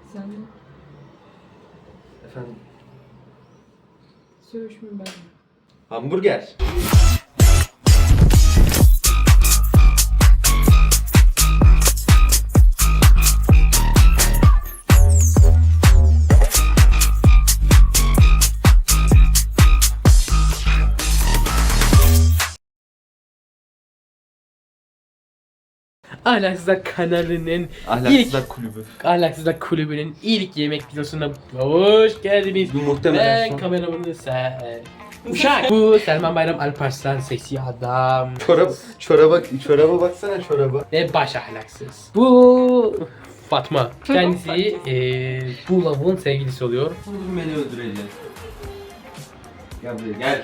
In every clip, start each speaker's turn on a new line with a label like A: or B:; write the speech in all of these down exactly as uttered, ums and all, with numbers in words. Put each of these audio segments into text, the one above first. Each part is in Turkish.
A: Sen de.
B: Efendim?
A: Söğüş mü ben?
B: Hamburger.
C: Ahlaksızlar kanalının
B: Ahlaksızlar
C: ilk
B: kulübü.
C: Ahlaksızlar kulübünün ilk yemek videosuna hoş geldiniz.
B: Bu muhtemelen
C: Ben
B: son.
C: kameramanı sen. Uşak. Bu Selman Bayram Alparslan seksi adam.
B: Çorap, çoraba, çoraba baksana çoraba.
C: Ve baş ahlaksız. Bu Fatma. Kendisi eee bu lavuğun sevgilisi oluyor.
B: Bugün beni öldüreceğiz. Gel buraya gel.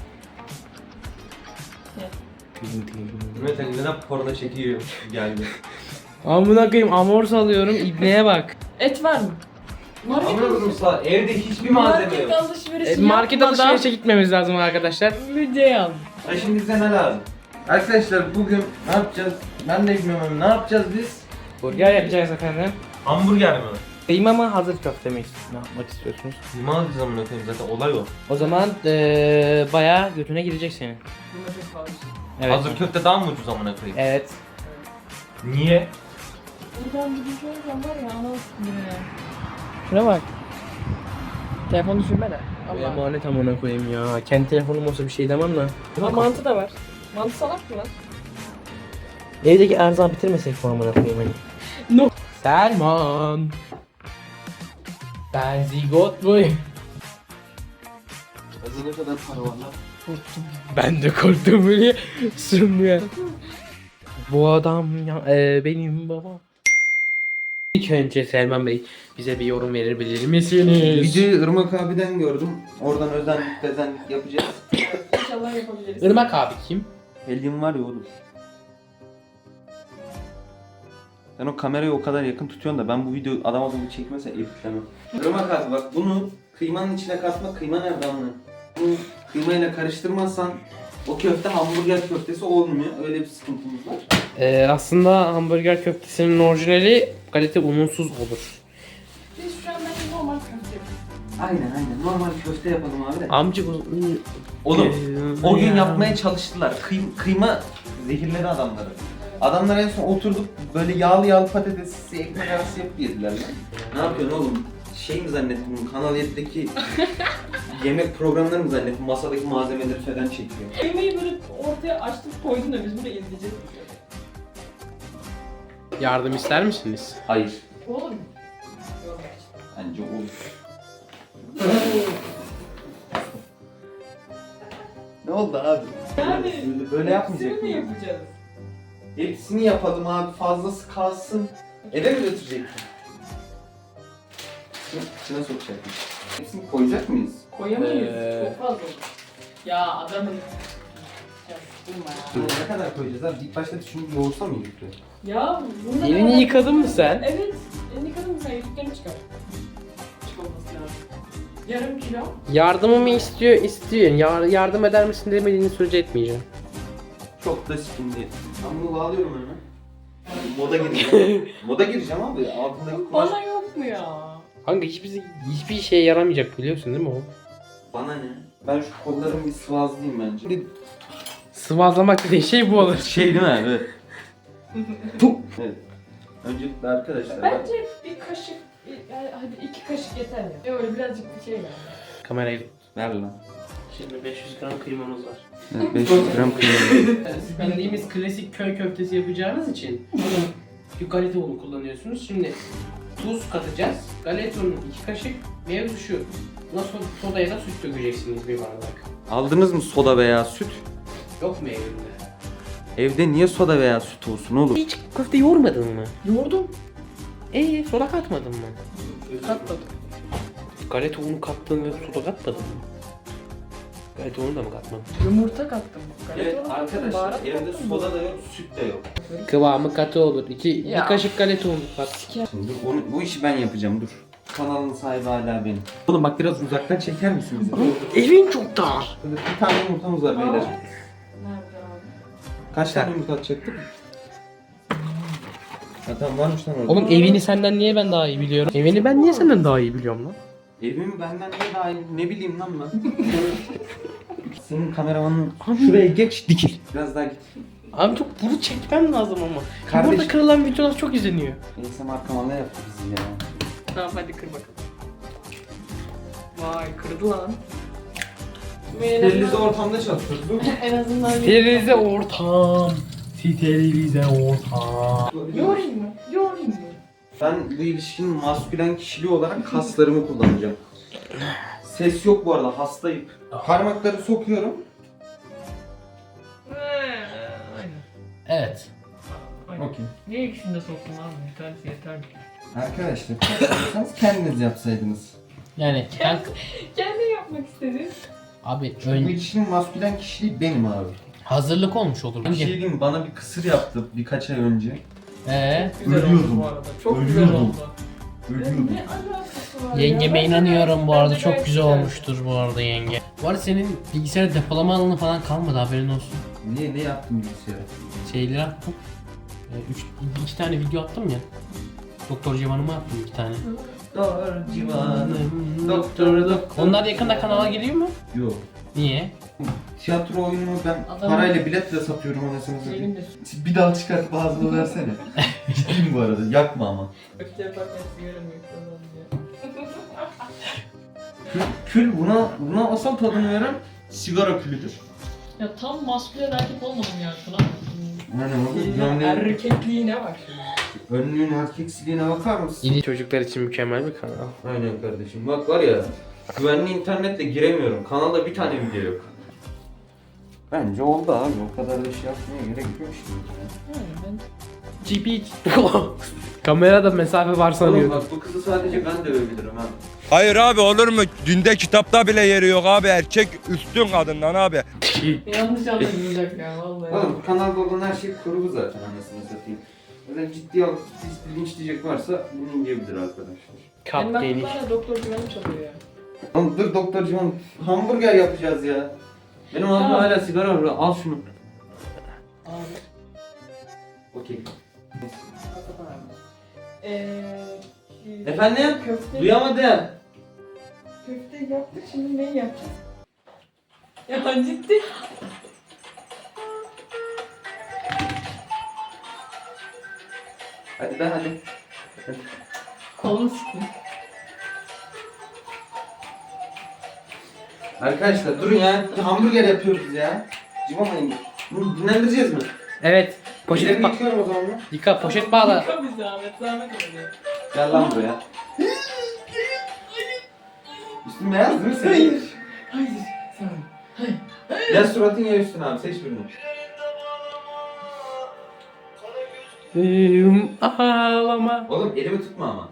B: Mehmet Ali neden porno çekiyor geldi.
C: Amına koyayım amor salıyorum ibneye bak.
A: Et var mı? Market
B: Ama Ruslar evde hiçbir malzeme yok.
A: Market alışverişi
C: E, market
A: yapmadan
C: alışverişe gitmemiz lazım arkadaşlar.
A: video al.
B: Ha şimdi bize ne lazım? Arkadaşlar bugün ne yapacağız? Ben de bilmiyorum ne yapacağız biz?
C: Burger yapacağız efendim.
B: Hamburger mi?
C: Kıyma mı hazır köfte mi ne yapmak istiyorsunuz?
B: Ne alacağız amına koyayım zaten olay o.
C: O zaman eee bayağı götüne girecek senin.
A: Domates falan.
C: Evet.
B: Hazır köfte daha mı ucuz amına koyayım?
C: Evet.
B: Niye?
A: Buradan bir şey olsam var ya ana üstüne ya.
C: Şuna bak.
A: Telefonu düşürme de. Allah.
C: Emanet amına koyayım ya. Kendi telefonum olsa bir şey demem lan.
A: Ha, mantı da var. Mantı salak mı lan?
C: Evdeki erzağını bitirmesek mi amına koyayım hani?
A: No.
C: Selman. Ben zigot boy.
B: Hazır ne kadar para var lan?
C: Ben de korktum böyle. Sürmüyor. Bu adam ya, e, benim babam. İlk önce Selman Bey bize bir yorum verebilir misiniz?
B: Videoyu Irmak abiden gördüm. Oradan özenlik bezenlik yapacağız.
A: İnşallah yapabiliriz.
C: Irmak abi kim?
B: Helyum var ya oğlum. Sen o kamerayı o kadar yakın tutuyorsun da ben bu videoyu adam akıllı çekmezse editlemem. Irmak abi bak bunu kıymanın içine katma, kıyma nerede amına? Bunu kıymayla karıştırmazsan o köfte hamburger köftesi olmuyor. Öyle bir sıkıntımız var.
C: Ee, aslında hamburger köftesinin orijinali galeta ununsuz olur.
A: Biz şu an bence normal köfte yapıyoruz.
B: Aynen aynen. Normal köfte yapalım abi de.
C: Amca bu...
B: Oğlum
C: Ee,
B: o gün
C: ya.
B: yapmaya çalıştılar. Kıy- kıyma zehirledi adamları. Adamlar en son oturduk böyle yağlı yağlı patatesli ekmek arası yapıp yediler lan. Ne yapıyorsun oğlum? Şey mi zannettin? Kanal yedi'deki yemek programları mı zannettin? Masadaki malzemeleri falan çekiyor.
A: Kıymayı böyle ortaya açtık koydun da biz bunu izleyeceğiz.
C: Yardım ister misiniz?
B: Hayır.
A: Olur mu? Yok.
B: Bence olur. Ne oldu abi?
A: Yani
B: Böyle, böyle yapmayacak
A: hepsini mi
B: mıyız?
A: yapacağız?
B: Hepsini yapalım abi. Fazlası kalsın. Eve mi götürecektin? İçine, içine sokacaktık. Hepsini koyacak mıyız?
A: Koyamayız.
C: Ee.
A: Çok fazla olur. Ya adamın... Ya durma ya.
B: Ne kadar koyacağız abi? İlk başta şunu yoğursa mı yıktı?
A: Ya bunda
C: Elini
A: kadar-
C: yıkadın mı sen?
A: Evet. Elini yıkadın mı sen? Yüzüklerini çıkar. Çıkılması lazım. Yarım kilo.
C: Yardımımı istiyor, istiyor. Yar- yardım eder misin demediğini sürece etmeyeceğim.
B: Çok da şimdi. Ben bunu bağlıyorum hemen. Moda gireceğim. Moda gireceğim abi. Altındaki kumaş...
A: Bana yok mu ya?
C: Kanka hiçbir, hiçbir şeye yaramayacak biliyorsun değil mi o?
B: Bana ne? Ben şu kollarımı bir sıvazlayayım bence.
C: Sıvazlamak dediğin şey bu olur.
B: Şey değil mi? Evet. Evet. Öncelikle arkadaşlar bak.
A: Bence bir kaşık, yani hadi iki kaşık yeter ya. Ya öyle birazcık bir şey ver.
C: Kamerayı.
B: Ver lan.
C: Şimdi beş yüz gram kıymamız var.
B: Evet, beş yüz gram kıyma.
C: Bildiğimiz klasik köy köftesi yapacağınız için bir galeta unu kullanıyorsunuz. Şimdi tuz katacağız. Galeta unu iki kaşık. Mevzu şu. Buna so- soda ya da süt dökeceksiniz bir bardak.
B: Aldınız mı soda veya süt?
C: Yok mu evinde?
B: Evde niye soda veya süt olsun oğlum?
C: Hiç köfte yoğurmadın mı?
A: Yoğurdum.
C: Eee soda katmadın mı?
A: Katmadım.
C: Galeta unu kattın ve soda katmadın mı? Galeta unu da mı katmadın?
A: Yumurta kattım.
B: Evet
A: Galeta kattım,
B: arkadaşlar
A: baharat
B: evde
A: kattım.
B: soda da yok, süt de yok.
C: Kıvamı katı olur. İki,
A: Ya.
C: bir kaşık galeta unu kat.
B: Şimdi dur, onu, bu işi ben yapacağım dur. Kanalın sahibi hala benim. Oğlum bak biraz uzaktan çeker misin bizi?
C: Evin çok dar.
B: Bir tane yumurtamız var beyler.
A: Nerede abi?
B: Kaç tane yumurta atacaktık? Ha tamam varmış lan orada.
C: Oğlum evini senden niye ben daha iyi biliyorum? Evini ben niye senden daha iyi biliyorum lan?
B: Evimi benden ne daha iyi, ne bileyim lan ben. Senin kameramanın şuraya geç dikil. Biraz daha git.
C: Abi çok bunu çekmem lazım ama.
B: Kardeş-
C: Burada kırılan videolar çok izleniyor.
B: Neyse markama ne yaptı bizi ya.
A: Tamam hadi kır bakalım. Vay kırdı lan. En
B: Sterilize
A: azından-
B: ortamda çalışıyoruz değil mi?
A: En azından
C: Sterilize ortam. Sterilize ortam.
A: Yorayım mı? Yorayım mı?
B: Ben bu ilişkinin maskülen kişiliği olarak kaslarımı kullanacağım. Ses yok bu arada, hastayım. Parmakları sokuyorum.
A: Aynen.
C: Evet.
A: Aynen.
B: Okey.
A: Niye ikisini de soktun abi? Bir tanesi yeter mi?
B: Arkadaşlar, yapsanız kendiniz yapsaydınız.
C: Yani ben...
A: Kendin yapmak istedin.
C: Abi
B: Bu
C: ön...
B: ilişkinin maskülen kişiliği benim abi.
C: hazırlık olmuş olur.
B: Bir şey diyeyim mi? Bana bir kısır yaptı birkaç ay önce.
C: Ee,
A: Güzel
B: Ölüyordum.
A: oldu bu arada. Çok güzel
B: Ölüyordum.
A: oldu.
B: Ölüyordum.
A: Ne alakası var
C: Yengeme
A: ya?
C: inanıyorum bu
A: Bence
C: arada,
A: gayet
C: çok güzel
A: güzel.
C: olmuştur bu arada yenge. Bu arada senin bilgisayar depolama alanı falan kalmadı, haberin olsun.
B: Niye, ne yaptın bilgisayara?
C: Şeyleri attım. Ee, üç, iki tane video attım ya. Doktor Civan'ıma attım iki tane.
B: Doktor civanım,
C: Doktor doktor. Onlar yakında kanala geliyor mu?
B: Yok.
C: Niye?
B: Tiyatro oyununu ben
A: Adam-
B: parayla biletle satıyorum anasını satayım.
A: Benim de
B: Bir dal çıkartıp ağzına versene. Ciddiyim bu arada, yakma ama.
A: öpücüğe bakmak sigara mı yoksa diye.
B: Kül, kül buna, buna asal tadını veren sigara külüdür.
A: Ya tam maskülen erkek olmadım ya şuna.
B: Yani
A: Senin
B: yani
A: erkekliğine bak şimdi.
B: önlüğün erkeksiliğine bakar mısın?
C: İyi çocuklar için mükemmel bir kanal.
B: Aynen kardeşim. Bak var ya, güvenli internetle giremiyorum. Kanalda bir tane video yok. Bence oldu abi. O kadar da şey yapmaya gerek yok şimdi.
A: Yani ben
C: G P. Kamerada mesafe var
B: Oğlum
C: sanıyordum.
B: bak bu kızı sadece ben dövebilirim ha.
D: Hayır abi olur mu? Dinde kitapta bile yeri yok abi. Erkek üstün kadından abi.
A: yanlış anlaşılacak ya vallahi.
B: Oğlum kanalda olan her şey kurgu zaten anasını satayım. Öyle ciddi alıp siz linçleyecek varsa bunu yiyebilir arkadaşlar.
C: Kap
A: Benim
C: geniş.
A: aklımda hala doktor güvenim çalıyor ya.
B: Oğlum dur doktor Civan, hamburger yapacağız ya. Benim ağzımda
A: Tamam.
B: hala sigara var, al şunu.
A: Abi.
B: Okey.
A: Eee...
B: Efendim?
A: Köfte,
B: Duyamadım.
A: köfte yaptık şimdi ne yapacağız? Ya ciddi.
B: Hadi be hadi.
A: Kolunu sıkın.
B: Arkadaşlar durun ya, hamburger yapıyoruz ya. Civamayın. Bunu dinlendireceğiz mi?
C: Evet. Poşet
B: Ellerimi
C: ba-
B: yıkıyorum o zaman mı?
C: Yıka, poşet bağla.
A: Yıka bir zahmet, zahmet oluyor.
B: Gel lan buraya. Üstün beyaz değil mi senin?
A: Hayır, sen. Hayır.
B: Ya suratın ya üstün abi, seç birini.
C: Değilim ağlama.
B: Oğlum elimi tutma ama.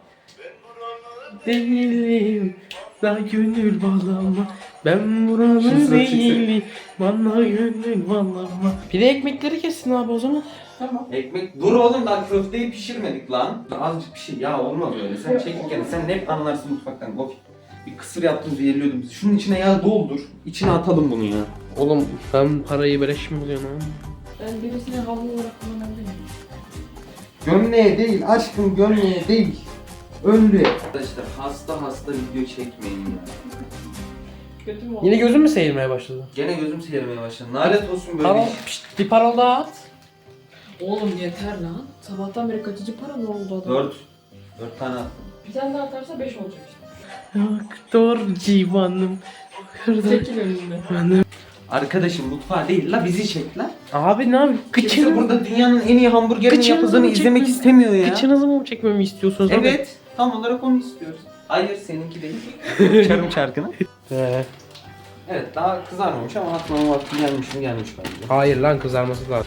C: Değilim daha gönül bağlama. Ben
B: Şimdi
C: buranın
B: sıra çeksin.
C: değilim. Bana gönül bağlama. Bir de ekmekleri kessin abi o zaman.
A: Tamam.
B: Ekmek, dur oğlum daha köfteyi pişirmedik lan. Azıcık bir şey, ya olmaz öyle. Sen çekin kendini, sen hep anlarsın mutfaktan. Of. Bir kısır yaptım, zehirliyordum bizi. Şunun içine yağ doldur. İçine atalım bunu ya.
C: Oğlum ben parayı beleş mi buluyorum ha?
A: Ben birisine havlu olarak kullanabilirim.
B: Gömleğe değil aşkım, gömleğe değil. Önlüğe. Arkadaşlar hasta hasta video çekmeyin ya.
A: Kötü mü oldu?
C: Yine gözüm mü seyirmeye başladı?
B: Gene gözüm seyirmeye başladı. Nalet olsun böyle
C: Parol,
B: iş.
C: pişt, bir parol daha at.
A: Oğlum yeter lan. Sabahtan beri kaçıcı para ne oldu adam?
B: Dört. Dört tane attım.
A: Bir tane daha atarsa beş olacak işte.
C: Doktor civanım.
A: Çekil önümde.
C: Hanım.
B: Arkadaşım mutfağa değil la, bizi çek la.
C: Abi ne yapayım?
B: Kimse
C: Kıçını,
B: burada dünyanın en iyi hamburgerini
C: Kıçınızı
B: yapıldığını
C: mı
B: izlemek
C: çekmem-
B: istemiyor ya.
C: kıçınızı mı çekmemi istiyorsunuz abi?
B: Evet. Tam olarak onu istiyoruz. Hayır seninki değil. Çarım çarkına.
C: Ee,
B: Evet daha kızarmamış ama atmanın vakti gelmiş mi gelmiş bence.
C: hayır lan, kızarması lazım.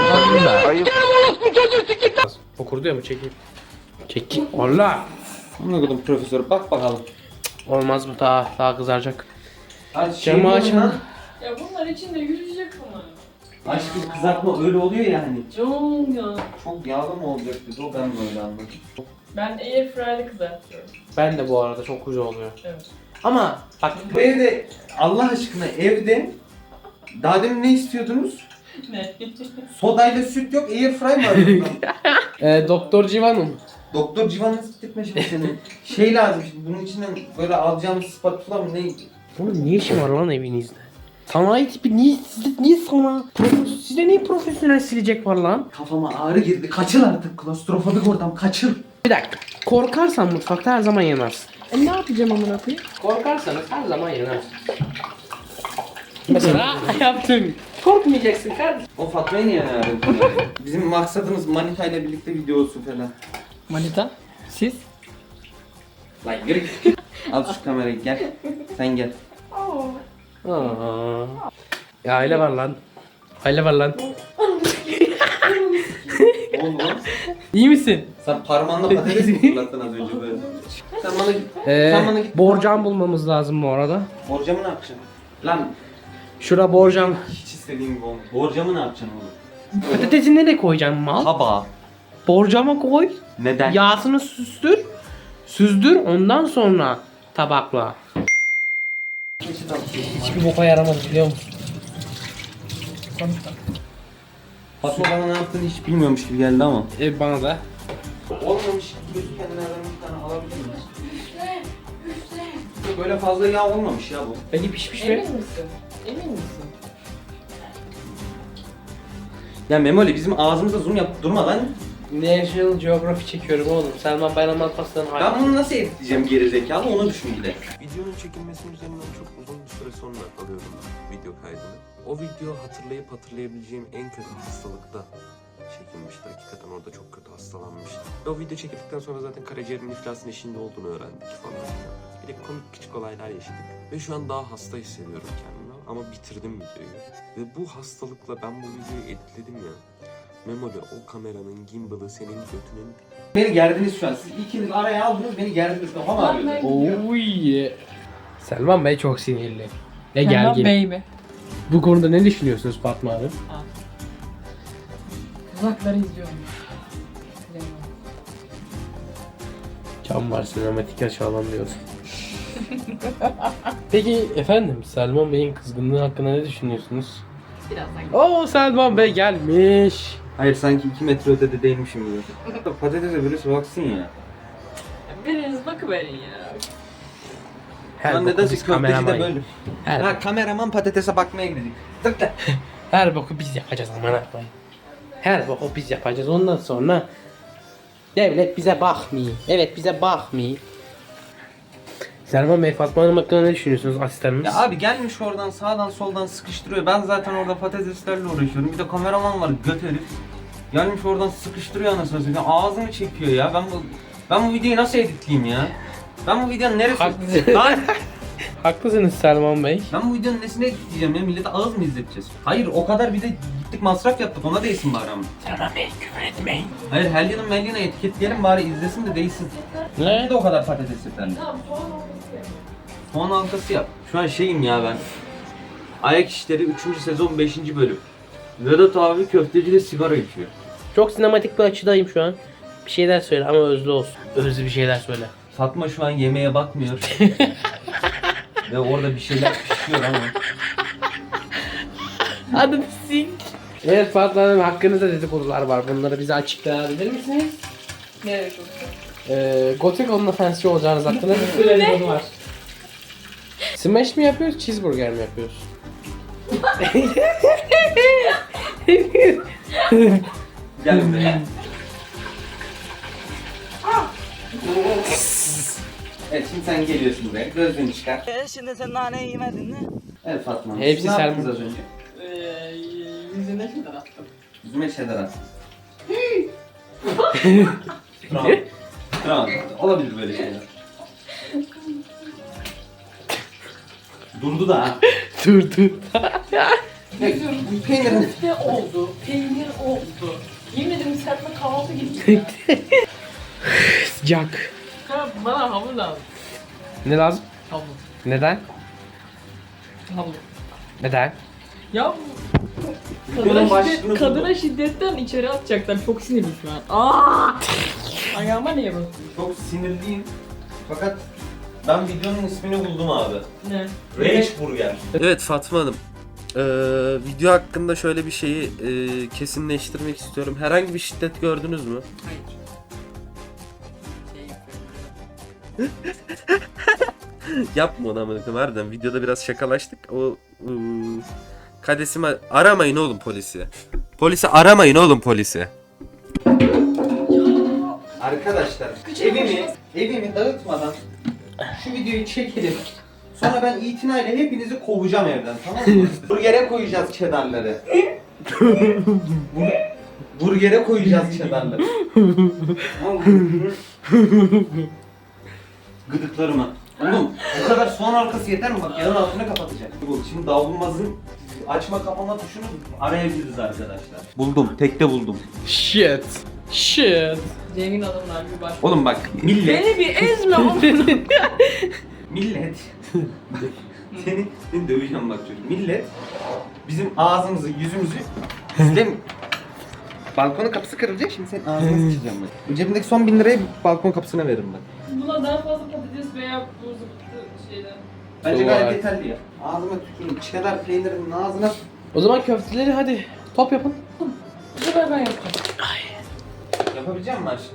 C: Okurdu ya mı, çekeyim. Çek. Allah.
B: Ne kadar profesör, bak bakalım.
C: Olmaz bu, daha daha kızaracak.
B: Ay, şey
C: Camı
B: mi
C: açın.
B: lan?
A: Ya bunlar içinde yüzecek bunlar.
B: Aşkım kızartma öyle oluyor ya hani.
A: Canım ya.
B: Çok yağlı mı olacak dedi o, ben böyle anladım.
A: Ben airfryer'de kızartıyorum.
C: Ben de bu arada çok güzel oluyor.
A: Evet.
C: Ama bak,
B: Bu evde Allah aşkına evde daha demin ne istiyordunuz?
A: Ne?
B: Sodayla süt yok, airfry var burada.
C: Ee, Doktor Civan'ı mı?
B: Doktor Civan'ı siktirtme şimdi senin. Şey lazım şimdi, bunun içinden böyle alacağımız spatula mı ne?
C: Oğlum ne işin var lan evinizde? Sanayi tipi niye sizde niye sana? Profes, sizde niye profesyonel silecek var lan?
B: Kafama ağrı girdi, kaçıl artık klostrofobik ortam, kaçıl.
C: Bir dakika. Korkarsan mutfakta her zaman yanarsın.
A: E ne yapacağım amına koyayım?
C: Korkarsanız her zaman yanarsın. Mesela yaptım. Korkmayacaksın kardeşim.
B: O Fatma'yı niye aradın? Bizim maksadımız Manita ile birlikte video olsun falan.
A: Manita? Siz?
B: Lan yürü git. Al şu kamerayı, gel. Sen gel.
C: Aa. Ya aile var lan. Aile var lan.
B: Oğlum lan.
C: İyi misin?
B: Sen parmağınla patates mi fırlattın az önce böyle? Sen bana git.
C: Ee,
B: Sen bana git.
C: borcam bulmamız lazım bu arada.
B: Borcamı ne yapacaksın? Lan
C: Şura borcam.
B: hiç istediğim gibi olmuyor. Borcamı ne yapacaksın oğlum?
C: Patatesi nereye koyacaksın mal?
B: Tabağa.
C: Borcama koy.
B: Neden?
C: Yağsını süzdür. Süzdür ondan sonra tabakla. Hiçbir boka yaramaz biliyor musun?
B: Fatma bana ne yaptığını hiç bilmiyormuş gibi geldi ama.
C: E bana da.
B: Olmamış gözükenlerden bir tane alabilir miyiz? Böyle fazla yağ olmamış ya bu.
C: Peki pişmiş mi?
A: Emin misin? Emin misin?
B: Ya Memoli bizim ağzımıza zoom yap durma lan.
C: National Geography çekiyorum oğlum. Selman Bayram Alparslan'ın
B: Ben
C: hayatı.
B: bunu nasıl editleyeceğim gerizekalı onu düşün bir de.
E: Videonun çekilmesinin üzerinden çok uzun bir süre sonra alıyorum video kaydını. O video hatırlayıp hatırlayabileceğim en kötü hastalıkta çekilmişti. Hakikaten orada çok kötü hastalanmıştım. Ve o video çekildikten sonra zaten karaciğerimin iflasın eşiğinde olduğunu öğrendik falan. Bir de komik küçük olaylar yaşadık. Ve şu an daha hasta hissediyorum kendimi. Ama bitirdim videoyu. Ve bu hastalıkla ben bu videoyu editledim ya. Memoli o kameranın gimbal'ı senin götünün.
B: Beni gerdiniz şu an. Siz ikiniz araya aldınız beni gerdiniz. Kafam ağrıyor.
C: Oy. Selman Bey çok sinirli. Ve
A: Selman
C: gergin.
A: Bey mi?
C: Bu konuda ne düşünüyorsunuz Fatma Hanım?
A: Uzakları izliyorum.
C: Can var sinematik açalım diyorsun. Peki efendim Selman Bey'in kızgınlığı hakkında ne düşünüyorsunuz?
A: Birazdan.
C: Oo Selman Bey gelmiş.
B: Hayır sanki iki metre ötede değilmişim gibi. Patatese birisi baksın ya.
A: Biriniz bakıverin ya.
C: Her
B: Lan
C: boku
B: nedense
C: biz
B: köfteci de
C: kameraman-
B: böyle.
C: Her,
B: Ha kameraman patatese bakmaya gidecek. Tık da.
C: her boku biz yapacağız aman Allah'ım. Her boku biz yapacağız ondan sonra devlet bize bakmıyor. Evet bize bakmıyor. Selman Bey Fatma Hanım hakkında ne düşünüyorsunuz asistanınız?
B: Ya abi gelmiş oradan sağdan soldan sıkıştırıyor. Ben zaten orada patateslerle uğraşıyorum. Bir de kameraman var göt herif. Gelmiş oradan sıkıştırıyor anasını satayım. Ağzımı çekiyor ya. Ben bu ben bu videoyu nasıl editleyeyim ya? Ben bu videonun neresi?
C: Haklısınız.
B: Lan!
C: Haklısınız Selman Bey.
B: Ben bu videonun nesini editleyeceğim ya? Millete ağız mı izleteceğiz? Hayır o kadar bir de gittik masraf yaptık. Ona değsin bari ama.
C: Selman Bey küfür etmeyin.
B: Hayır Helya'nın Melya'na etiketleyelim bari izlesin de değsin.
C: Ne?
B: Bir de o kadar patates yeterli. Soğan halkası yap. Şu an şeyim ya ben. Ayak İşleri üçüncü sezon beşinci bölüm. Vedat abi köfteciyle sigara içiyor.
C: Çok sinematik bir açıdayım şu an. Bir şeyler söyle ama özlü olsun. Özlü bir şeyler söyle.
B: Fatma şu an yemeğe bakmıyor. Ve orada bir şeyler pişiyor ama.
C: Hadi sik. Evet Fatma Hanım hakkınızda dedikodular var. Bunları bize açıklayabilir misiniz?
A: Nereye çok?
C: Ee, Gothic OnlyFans'çi olacağınız hakkında bir sürü dedikodu var. Smash mi yapıyoruz, cheeseburger mi yapıyoruz?
B: Gel buraya. Evet şimdi sen geliyorsun buraya. Gözlüğünü çıkar.
F: E şimdi sen naneyi yemedin mi?
B: Evet Fatma. Hanım,
C: Hepsi
B: siz ne
C: sen-
B: yaptınız az önce?
A: Eee yüzüne şeyler attım.
B: Yüzüme şeyler attın. Tamam. Tamam. Olabilir böyle şeyler. Durdu da ha.
C: dur dur.
B: Ne? Bu peynirin...
A: Köfte oldu, peynir oldu. Yemin ederim serpme kahvaltı gibi.
C: Sıcak.
A: Ha, bana havlu lazım.
C: Ne lazım?
A: Havlu.
C: Neden?
A: Havlu.
C: Neden?
A: Ya
B: Videonun
A: kadına,
B: başlığını
A: şiddet,
B: buldum.
A: kadına şiddetten içeri atacaklar. Çok sinirli şu an. Aa! Ayağıma niye basıyorsun?
B: Çok sinirliyim. Fakat ben videonun ismini buldum abi.
A: Ne?
B: Rage Burger.
E: Evet Fatma Hanım. Ee, video hakkında şöyle bir şeyi e, kesinleştirmek istiyorum. Herhangi bir şiddet gördünüz mü?
C: Hayır.
E: Yapma onu amına koyayım, harbiden videoda biraz şakalaştık. O ıı, kadesime aramayın oğlum polisi. Polisi aramayın oğlum polisi.
B: Arkadaşlar evimi evimi dağıtmadan şu videoyu çekelim. Sonra ben itinayla hepinizi kovacağım evden, tamam mı? Burgere koyacağız çedarları. Bur- Burgere koyacağız çedarları. Gıdıklarıma. Oğlum bu kadar soğan halkası yeter mi? Bak yanın altını kapatacak. Bu şimdi davlumbazın açma kapama tuşunu arayabiliriz arkadaşlar. Buldum, tekte buldum.
C: Shit. Shit.
A: Zengin adamlar bir baş.
B: Oğlum bak millet,
A: Beni bir ezme oğlum.
B: millet. seni, seni döveceğim bak çocuk. Millet bizim ağzımızı, yüzümüzü izlemiyor. Balkonun kapısı kırılacak, şimdi senin ağzını sıçacağım ben. Cebimdeki son bin lirayı balkon kapısına veririm ben.
A: Buna daha fazla patates veya bu zıptı şeyden.
B: Bence
C: Doğru.
B: gayet yeterli ya. Ağzıma tüküreyim, cheddar peynirinin ağzına.
C: O zaman köfteleri hadi top yapın.
A: Bu sefer ben yapacağım.
B: Yapabilecek misin aşkım?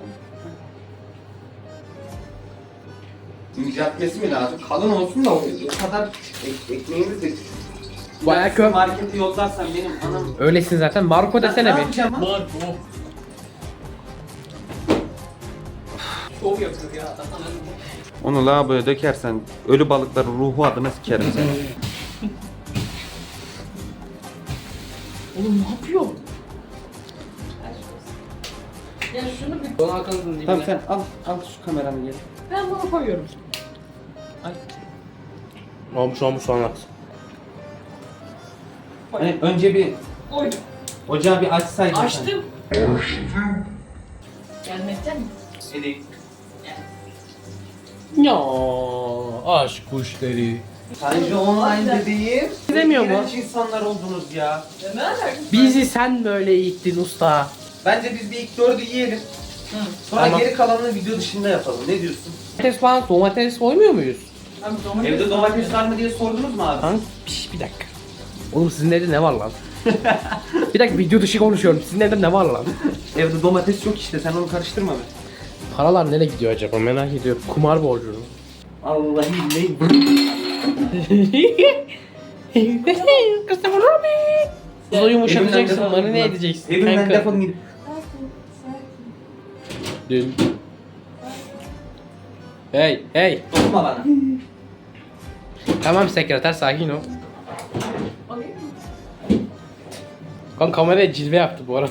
B: İnceltmesi mi lazım? Kalın olsun da o o kadar ek, ekmeğimiz de küçük.
C: Bayağı
B: Ya
C: kö-
B: markete yollarsan benim anam...
C: Öylesin zaten. Marco
B: Ne
C: desene bir.
B: yapacağım lan?
A: Şov yapıyor ya adam.
B: Onu lavaboya dökersen ölü balıkların ruhu adına sikerim seni.
A: Oğlum ne yapıyor? Ya şunu bir...
C: Don Hakan'ın dibine.
B: Tamam sen al, al şu kameranı gel.
A: Ben bunu koyuyorum.
C: Olmuş olmuş soğan haksın.
B: Hani önce bir
A: Koydum.
B: ocağı bir açsaydın.
A: Açtım. Gelmekten mi?
B: Edeyim.
C: Ya aşk kuşları.
B: Sadece online dediğim.
C: Demiyor mu?
B: İğrenç insanlar oldunuz ya.
A: Ya ne alakası?
C: Bizi sen böyle eğittin usta.
B: Bence biz bir ilk dördü yiyelim. Sonra
C: Tamam.
B: geri kalanını video dışında yapalım. Ne diyorsun?
C: Domates falan domates koymuyor muyuz?
A: Abi domates...
B: Evde domates var mı diye sordunuz mu abi?
C: Lan piş, bir dakika. Oğlum sizin evde ne var lan? Bir dakika video dışı konuşuyorum. Sizin evde ne var lan?
B: Evde domates yok işte, sen onu karıştırma be.
C: Paralar nereye gidiyor acaba merak ediyorum. Kumar borcu.
B: Allah'ım ne?
C: Christopher Robin. Kuzu yumuşatacaksın,
B: Evimden
C: bana ne
B: defol-
C: edeceksin?
B: Evimden
C: kanka?
B: defolun gidin.
C: Dün. Hey hey.
B: Dokunma bana.
C: Tamam sekreter sakin ol.
A: Alayım mı?
C: Kan kameraya cilve yaptı bu arada.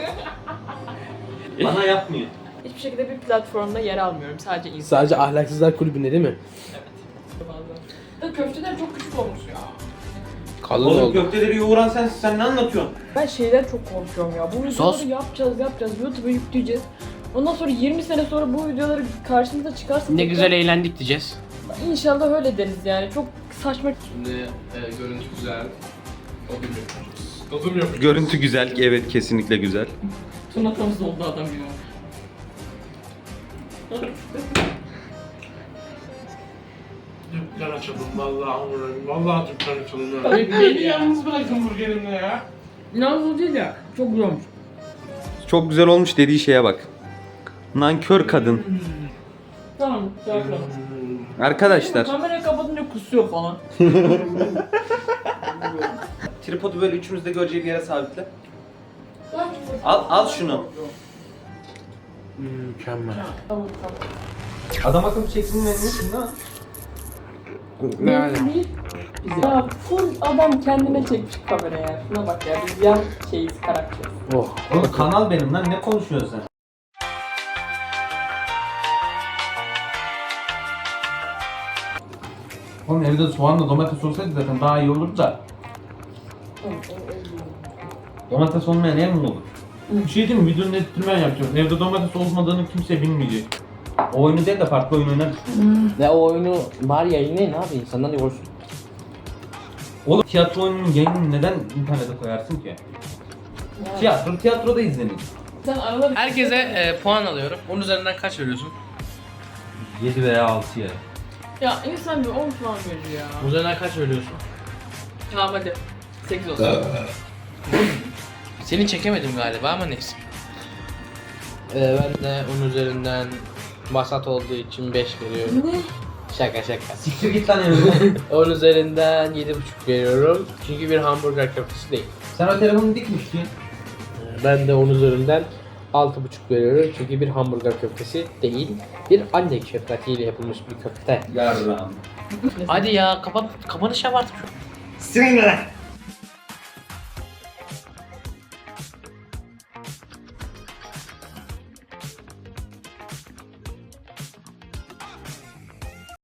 B: Bana yapmıyor.
A: Hiçbir şekilde bir platformda yer almıyorum. Sadece insan
C: Sadece ahlaksızlar kulübünde değil mi?
A: bazen. Da köfteler çok küçük olmuş ya.
C: Kalın
B: Oğlum
C: oldu.
B: köfteleri yoğuran sensin, sen ne anlatıyorsun?
A: Ben şeyden çok korkuyorum ya. Bu videoları
C: Sos.
A: yapacağız yapacağız. YouTube'a yükleyeceğiz. Ondan sonra yirmi sene sonra bu videoları karşımıza çıkarsa...
C: Ne güzel eğlendik diyeceğiz.
A: İnşallah öyle deriz yani. Çok saçma.
C: Şimdi e, görüntü güzel. Tadım yapacağız. Tadım yapacağız.
B: Görüntü güzel, evet kesinlikle güzel.
A: Tırnaklaması oldu adam ya.
C: Dükkan açalım vallahi uğrarım. Vallahi dükkan açalım. Beni yalnız bırakın burgerimle ya.
A: İnanılmaz değil ya. Çok güzel olmuş.
B: Çok güzel olmuş dediği şeye bak. Nankör kadın.
A: Tamam. Tamam.
B: Arkadaşlar,
A: Kamerayı kapatınca kusuyor falan.
B: tripodu böyle üçümüz de göreceği bir yere sabitle. Al, al şunu.
C: Mükemmel.
A: Tamam tamam.
B: Adam akıllı çeksin ne şimdi ha?
C: Ne yani?
A: Ya full adam kendine çekmiş kameraya. Şuna bak ya. Biz yan şeyiz, karakteriz.
C: Oh.
B: Oğlum kanal benim lan, ne konuşuyorsun sen? Oğlum evde soğanla domates olsaydı zaten daha iyi olurdu da. Domates olmayan ev mi olur? Bir şey diyeyim mi? Videonun editini ben yapacağım. Evde domates olmadığını kimse bilmeyecek. O oyunu değil de farklı oyun oynarız.
C: Ne o oyunu bari yayınlayın abi insanlar yorsun.
B: Oğlum tiyatro oyununun yayınını neden internete koyarsın ki? Tiyatro, tiyatroda izlenir.
A: Sen arada bir...
C: Herkese e, puan alıyorum. Onun üzerinden kaç veriyorsun?
B: yedi veya altı ya.
A: Ya insan bir on puan verir ya.
C: Onun üzerinden kaç veriyorsun?
A: Tamam hadi. sekiz olsun.
C: Seni çekemedim galiba ama neyse. Ee, ben de onun üzerinden vasat olduğu için beş veriyorum.
A: Ne?
C: Şaka şaka.
B: Siktir git lan evine.
C: Onun üzerinden yedi buçuk veriyorum. Çünkü bir hamburger köftesi değil.
B: Sen o telefonu dikmiştin.
C: Ee, Ben de onun üzerinden altı buçuk veriyorum. Çünkü bir hamburger köftesi değil. Bir anne şefkatiyle yapılmış bir köfte.
B: Yarram.
C: Hadi ya kapan kapanış yap artık.
B: Sinirlen.